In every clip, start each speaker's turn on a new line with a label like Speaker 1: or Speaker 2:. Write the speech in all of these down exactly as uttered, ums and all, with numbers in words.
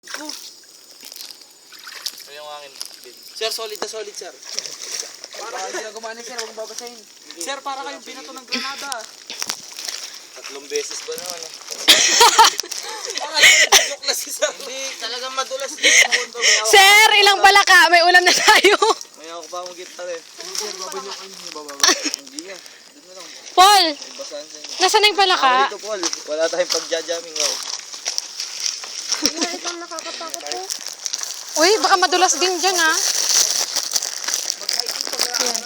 Speaker 1: Oh.
Speaker 2: Ano yung akin?
Speaker 1: Sir, solid na solid, sir.
Speaker 3: Para hindi na gumana, sir. Huwag babasahin.
Speaker 1: Sir, para kayong binato ng granada.
Speaker 2: Tatlong beses ba naman eh?
Speaker 1: Joke na si sir.
Speaker 2: Hindi, talagang madulas din.
Speaker 4: Sir, ilang bala ka? May ulam na tayo.
Speaker 2: May ako pa akong gitar eh.
Speaker 3: Sir, babanyo kayo. Hindi bababa.
Speaker 2: Hindi yan. Doon na lang.
Speaker 4: Paul,
Speaker 2: May basahan sa inyo.
Speaker 4: nasaan na yung bala
Speaker 2: Ako
Speaker 4: ka?
Speaker 2: dito, Paul. Wala tayong pagja-jamming ako.
Speaker 5: Itong nakakatakot po.
Speaker 4: Uy, baka madulas din dyan ha. Yan.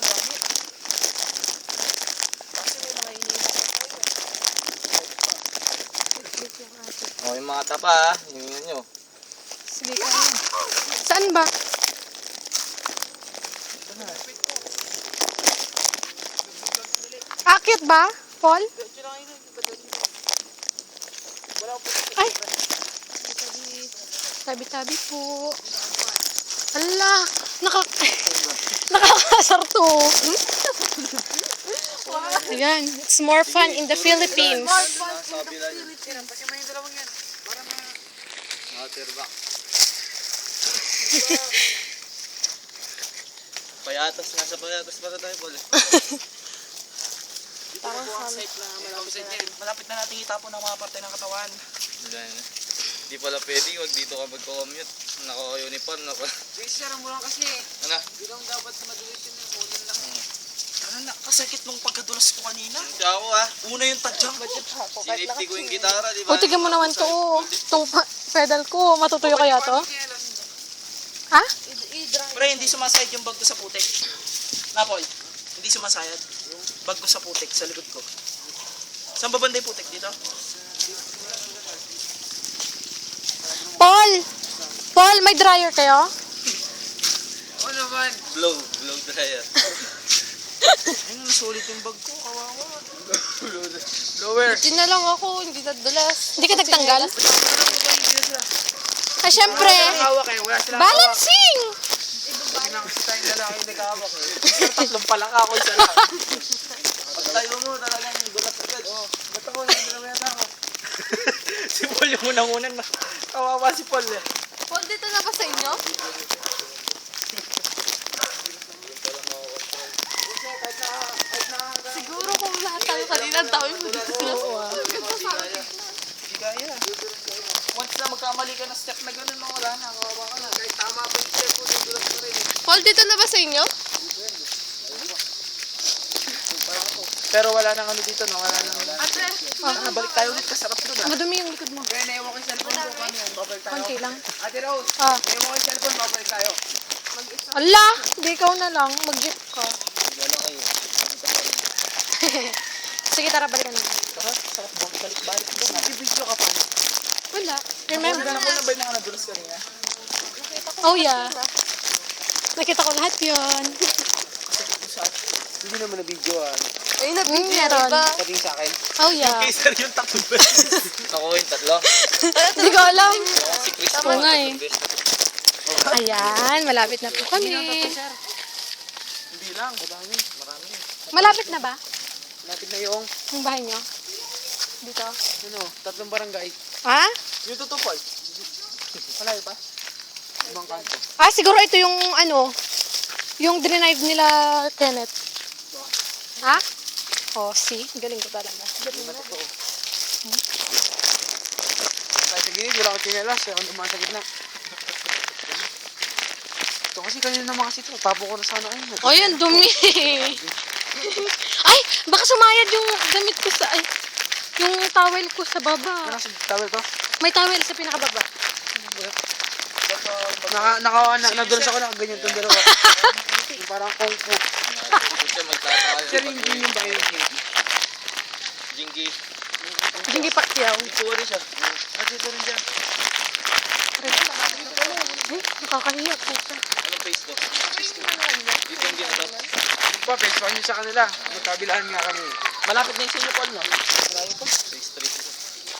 Speaker 2: O, yung mga tapa ha. Himingan nyo.
Speaker 4: Sige ka. Saan ba? Akit ba, Paul? Ay! Tabi-tabi po. Ala! Naka... Nakakasar to. Ayan. It's more fun in the Philippines.
Speaker 2: Sabi lang yun.
Speaker 3: Kasi may dalawang yan. Para ma...
Speaker 2: Waterback. Payatas. Nasa payatas para tayo, Paul.
Speaker 1: Parang site na malapit na, malapit na natin itapon ng mga parte ng katawan.
Speaker 2: Wala na. Hindi pala pwede. Huwag dito ka magko-commute. Naka-uniform. Naka...
Speaker 3: Sige, sir. Ang mula kasi.
Speaker 2: Ano?
Speaker 3: Hindi lang dapat madulit yun. Ulo na lang.
Speaker 1: Ano na, kasakit nung pagkadulas ko kanina.
Speaker 2: Hindi ako ha.
Speaker 1: Una yung tadyang ko.
Speaker 2: Sinipti ko yung gitara, di ba?
Speaker 4: O, tignan mo naman to. oh. Itong pa- pedal ko. Matutuyo kaya to? Ha?
Speaker 1: Pre, hindi sumasayad yung bag ko sa putik. Napoy, hindi sumasayad. Bag ko sa putik, sa likod ko. Saan ba banda yung putik? Dito?
Speaker 4: Paul! Paul, may dryer kayo?
Speaker 3: Oo naman.
Speaker 2: Blow. Blow dryer.
Speaker 1: Ay, nasulit yung bag ko. Kawawa.
Speaker 3: Lower.
Speaker 5: Hindi na lang ako, hindi nadulas.
Speaker 4: Hindi ka nagtanggal? Ah, syempre.
Speaker 3: Hawak eh. Wala silang hawak.
Speaker 4: Balancing!
Speaker 3: Hindi na kasi tayong lalaki nag-hawak eh.
Speaker 1: Tatlong pala ka ako, isa lang.
Speaker 2: Pag tayo mo, talagang gulat agad.
Speaker 3: Oo. Ba't ako? Hindi na mayata ako.
Speaker 1: Si Paul yung unang-unan na. Kawawa si Paul eh.
Speaker 5: Paul, dito na ba sa inyo? Siguro kung lahat tayo kanina, ang dami mo dito.
Speaker 1: Hindi kaya. Once na magkamali ka na step na gano'n, mga wala na. Kawawa ka na.
Speaker 3: Kahit tama pa yung step ko, nadulas pa rin eh.
Speaker 5: Paul, dito na ba sa inyo?
Speaker 1: Pero wala nang ano dito, no? Wala nang...
Speaker 5: Ate,
Speaker 1: Ah, balik tayo ulit. Kasarap doon ah.
Speaker 4: Madumi yung likod mo.
Speaker 3: Kaya naiwan ko yung cellphone ko. Paano yan? Babalik tayo.
Speaker 4: Konti lang.
Speaker 3: Ate Rose,
Speaker 4: Ah.
Speaker 3: naiwan ko yung cellphone. Babalik tayo.
Speaker 4: Ala! Hindi ikaw na lang. Mag-jeep ka.
Speaker 2: Wala kayo.
Speaker 4: Sige, tara, balikan na.
Speaker 1: Tara, sarap doon. Balik-balik doon.
Speaker 3: Nag-video ka pa.
Speaker 4: Wala. Remember?
Speaker 1: Ganda ko na ba yung mga nadulas kanina?
Speaker 4: Oh, yeah. Nakita ko lahat yun.
Speaker 3: Hindi naman na-videoan.
Speaker 5: ay,
Speaker 4: Hmm,
Speaker 5: nabigyan,
Speaker 4: meron.
Speaker 5: diba?
Speaker 3: Sabihin sa akin.
Speaker 4: Oh, yeah.
Speaker 1: Kaysa yung tatlong beses.
Speaker 2: Ako yung tatlo.
Speaker 4: Hindi ko alam.
Speaker 2: Si Chris
Speaker 4: Tama nga eh.
Speaker 2: tatlong beses.
Speaker 4: Ayan, malapit na po kami.
Speaker 1: Hindi lang. Madami. Marami.
Speaker 4: Malapit na ba?
Speaker 3: Lapit na yung,
Speaker 4: Yung bahay nyo? Dito?
Speaker 3: ano, tatlong barangay.
Speaker 4: Ha?
Speaker 1: Yung totoo, Paul.
Speaker 3: Malayo pa? Ibang kanto.
Speaker 4: Ah, siguro ito yung ano, yung drive nila Kenneth. Ha? Oh, see? Galing ko talaga.
Speaker 3: Hindi na totoo. Kahit sa gilid, wala akong chinelas. Ako naman sa gitna. Ito kasi kanina naman kasi ito. Tapo ko na sana ayun.
Speaker 4: Oh, yan, dumi. Ay, baka sumayad yung damit ko sa, ay, yung towel ko sa baba.
Speaker 3: Ano sa tawel to?
Speaker 4: May towel sa pinakababa.
Speaker 3: Naka, naka, na, nadulas ako na ganyan itong dalawa. Yung parang kung fu.
Speaker 2: Huwag siya magtataka.
Speaker 3: Sir, yung yun yung ba yung kinky?
Speaker 2: Jingy.
Speaker 4: Jingy Pacquiao.
Speaker 2: Sorry siya.
Speaker 3: Kasi ito rin dyan.
Speaker 4: Ay, nakakahiya po siya.
Speaker 2: Anong Facebook? Dito yung ginagawa.
Speaker 3: Yung pa, face pa kami sa kanila. Magkabilaan nga kami.
Speaker 1: Malapit na yung sinyo, Paul, no?
Speaker 2: Face three.